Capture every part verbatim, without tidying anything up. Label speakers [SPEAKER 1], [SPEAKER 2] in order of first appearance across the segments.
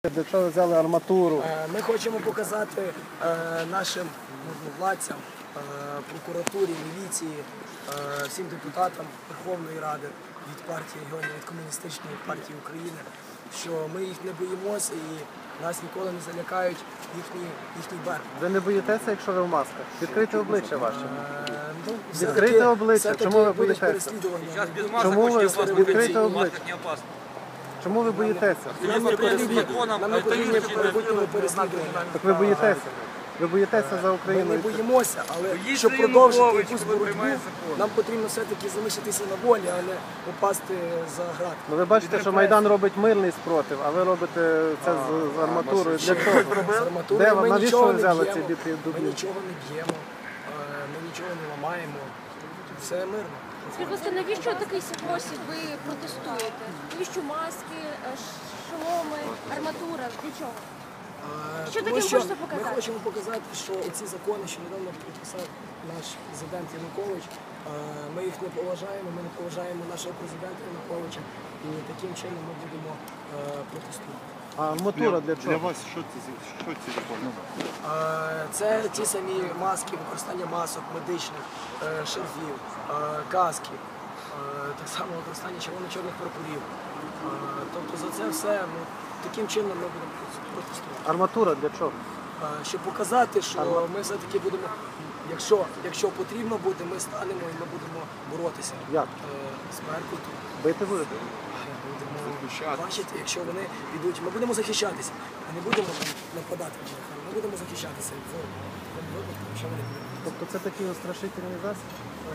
[SPEAKER 1] Для чого ви взяли арматуру?
[SPEAKER 2] Ми хочемо показати нашим владцям, прокуратурі, міліції, всім депутатам Верховної Ради від партії регіонів, від Комуністичної партії України, що ми їх не боїмося і нас ніколи не залякають їхні, їхні барви.
[SPEAKER 1] Ви не боїтеся, якщо ви в масках? Відкрийте обличчя ваше.
[SPEAKER 2] Ну,
[SPEAKER 1] Відкрийте обличчя. Чому ви боїтеся? Чому ви відкрийте обличчя? Чому ви боїтеся?
[SPEAKER 2] Нам не потрібні майбутнього переслідування.
[SPEAKER 1] Так ви боїтеся. Ви боїтеся за
[SPEAKER 2] Ми
[SPEAKER 1] Україну.
[SPEAKER 2] не боїмося, але щоб продовжити якусь боротьбу, нам потрібно все-таки залишитися на волі, а не попасти за грати.
[SPEAKER 1] Ну ви бачите, що Майдан робить мирний спротив, а ви робите це з, з арматурою. Для чого?
[SPEAKER 2] З арматурою
[SPEAKER 1] Де вам?
[SPEAKER 2] ми
[SPEAKER 1] Навіщо
[SPEAKER 2] нічого
[SPEAKER 1] ви
[SPEAKER 2] не
[SPEAKER 1] взяли ці
[SPEAKER 2] б'ємо,
[SPEAKER 1] біти
[SPEAKER 2] ми
[SPEAKER 1] дубні?
[SPEAKER 2] нічого не б'ємо, ми нічого не ламаємо, все мирно.
[SPEAKER 3] Скажіть, будь ласка, навіщо такий спосіб ви протестуєте? Навіщо маски, шоломи, арматура? Для чого? Що
[SPEAKER 2] Тому
[SPEAKER 3] таке
[SPEAKER 2] що
[SPEAKER 3] можна показати?
[SPEAKER 2] Ми хочемо показати, що ці закони, що недавно підписав наш президент Янукович, ми їх не поважаємо, ми не поважаємо нашого президента Януковича, і таким чином ми будемо протестувати.
[SPEAKER 1] А арматура для чого?
[SPEAKER 4] Для вас що це, що ці закони?
[SPEAKER 2] Це ті самі маски, використання масок, медичних, шарфів, каски, так само використання червоно-чорних прапорів. Тобто за це все, ну, таким чином ми будемо протестувати.
[SPEAKER 1] Арматура для чого?
[SPEAKER 2] Щоб показати, що ми все-таки будемо, якщо, якщо потрібно буде, ми станемо і ми будемо боротися.
[SPEAKER 1] Як?
[SPEAKER 2] З Беркутом.
[SPEAKER 1] Бити будете?
[SPEAKER 2] Будемо бачити, якщо вони підуть, ми будемо захищатися. Ми не будемо нападати на них, ми будемо захищатися в тому випадку, якщо вони підуть.
[SPEAKER 1] Тобто це такий устрашительний засіб?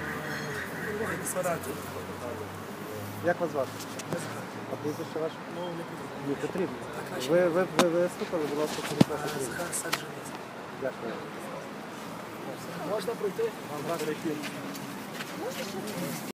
[SPEAKER 2] Не сварати.
[SPEAKER 1] Як вас звати? А прізвище ваше?
[SPEAKER 2] Ну, не потрібно.
[SPEAKER 1] Не потрібно. Ви, ви, ви виступили, будь ласка, через ваше прізвище.
[SPEAKER 2] Захар Саджанець.
[SPEAKER 1] Дякую.
[SPEAKER 2] Можна пройти?
[SPEAKER 1] Вам